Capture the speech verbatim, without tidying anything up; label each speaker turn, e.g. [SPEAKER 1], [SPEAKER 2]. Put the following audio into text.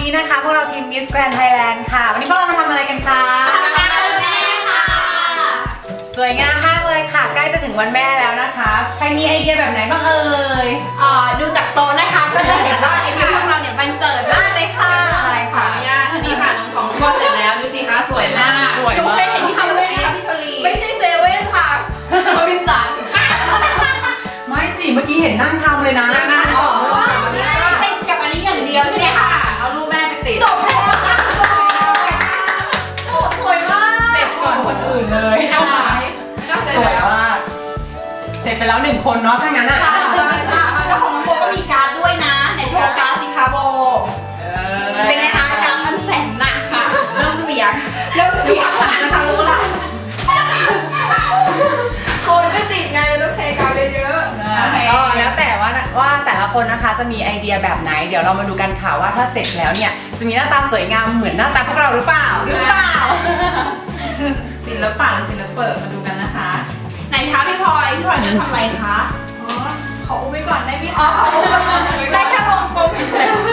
[SPEAKER 1] นี้นะคะพวกเราทีม Miss Grand Thailand ค่ะวันนี้พวกเรามาทำอะไรกันคะ
[SPEAKER 2] ทำงานวันแม่ค่ะ
[SPEAKER 1] สวยงามมากเลยค่ะใกล้จะถึงวันแม่แล้วนะคะใครมีไอเดียแบบไหนบ้างเอ่ย
[SPEAKER 2] อ่าดูจากโต๊ะนะคะก็จะเห็นว่าไอเดียพวกเราเนี่ยบันเจิดมากเลยค่ะ
[SPEAKER 1] ใช่ค่ะ
[SPEAKER 3] อนุญาตนี่ค่ะน้องของพ่อเสร็จแล้วดูสิคะสวยมาก
[SPEAKER 1] สวยมาก
[SPEAKER 2] ดูเคยเห็นที่เซเว่นค่ะพี่ชลี
[SPEAKER 3] ไม่ใช่เซเว่นค่ะโรบินสัน
[SPEAKER 1] ไม่สิเมื่อกี้เห็นนั่งทำเลยนะนั่งทำ
[SPEAKER 2] ว่าติดกับอันนี้อย่างเดียวใช่ไหมคะ
[SPEAKER 3] เอารูปแม่ไปติด
[SPEAKER 2] จบแล้วค่ะสวยมาก
[SPEAKER 1] เสร็จก่อนคนอื่นเลย
[SPEAKER 3] เอาไว้
[SPEAKER 1] สวยมากเสร็จไปแล้วหนึ่งคนเนาะถ้างั้นอ่ะ
[SPEAKER 2] แล้วของน้องโบก็มีการ์ดด้วยนะในโชว์การ์ดสิคะโบเป็นไงคะการ์ดอันแสนหนักค่ะ
[SPEAKER 3] เริ่มเปียก
[SPEAKER 2] เริ่มเปียกค่ะ
[SPEAKER 3] นะคะรู้ละโคนก็ติดไงต้องเทกาวเยอะ
[SPEAKER 1] ๆก็แล้วแต่ว่าว่าแต่ละคนนะคะจะมีไอเดียแบบไหนเดี๋ยวเรามาดูกันค่ะว่าถ้าเสร็จแล้วเนี่ยจะมีหน้าตาสวยงามเหมือนหน้าตาพวกเราหรือเปล่า
[SPEAKER 2] หรือเปล่า
[SPEAKER 3] ศิลปะหรือศิลปะมาดูกันนะคะ
[SPEAKER 2] ไหนคะพี่พลอยพี่พลอยจะทำอะไรคะ
[SPEAKER 3] อ๋อขออุ้มไปก่อนได้ไหม
[SPEAKER 2] อ๋อ
[SPEAKER 3] คะ
[SPEAKER 2] ได้แค่วงกลมเฉย